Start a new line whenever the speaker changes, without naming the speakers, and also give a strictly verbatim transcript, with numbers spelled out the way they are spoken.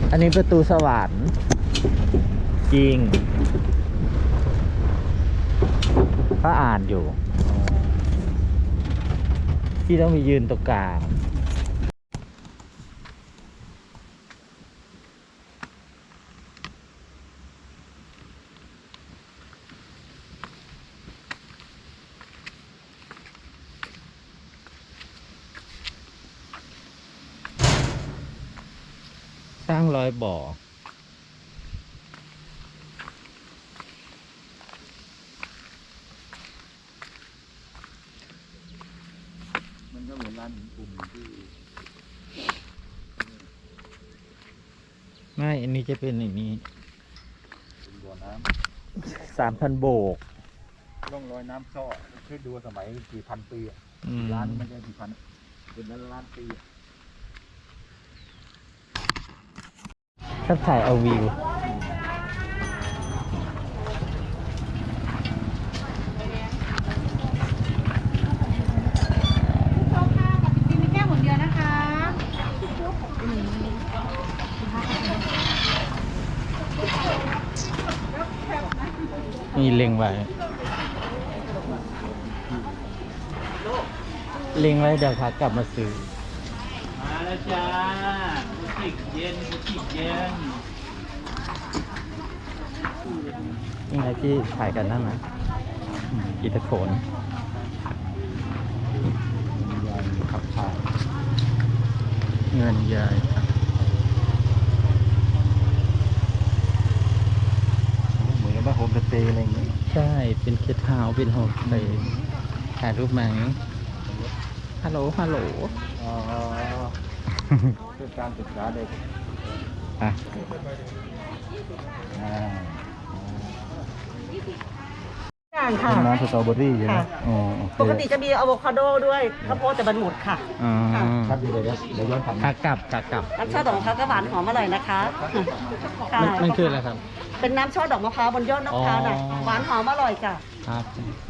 อันนี้ประตูสวรรค์จริงก็อ่านอยู่ที่ต้องมียืนตรงกลางสร้างรอยบ่อ
มันก็เหมือนร้านหินปุ่มที่
ไม่อันนี้จะเป็นอย่างนี้
เป็นบ่อน้
ำสามพันโบก
ำร่องรอยน้ำซ้อคือดูสมัยกี่พันปีอ่ะ
อืม
ร้านมันจะกี่พันเป็นล้านล้านปีอะ
ถ้าถ่ายเอาวิวนี่เล็งไว้เล็งไว้เดี๋ยวขากลับมาซื้อ
มาแล้วจ้าบุติกเย็นบุติกเย็น
นี่ไงที่ถ่ายกันนั่นนะอืมอีตะโขนขับถ่ายเงินใหญ่
เหมือนกับว่าโฮมสเตย์อะไรอย่างเงี้ย
ใช่ เป็นเคสเฮาส์เป็นโฮมสเตย์ถ่ายรูปไหมฮัลโหล ฮัลโหล
อ๋อคือการศึกษาเด็ก
อ่ะ
อ่า
อย่างค่ะ
เป็นน้ำสตรอเบอรี่ใช่ไหม
ค่ะ
อ๋อโอเค
ปกติจะมีอะโวคาโดด้วยข้าวโพดแต่มันหมดค่ะ
อ๋อ
ครับเดี๋ยวเดี๋ยวเดี๋ยวย้อนกลับ
ขากลับขากลับ
น้ำช่อดอกมะพร้าวก็หวานหอมอร่อยนะคะค่ะ
มันมันคืออะไรครับ
เป็นน้ำช่อดอกมะพร้าวบนยอดมะพร้าวน่ะ
อ๋อ
หวานหอมอร่อยจ้ะ
ครับ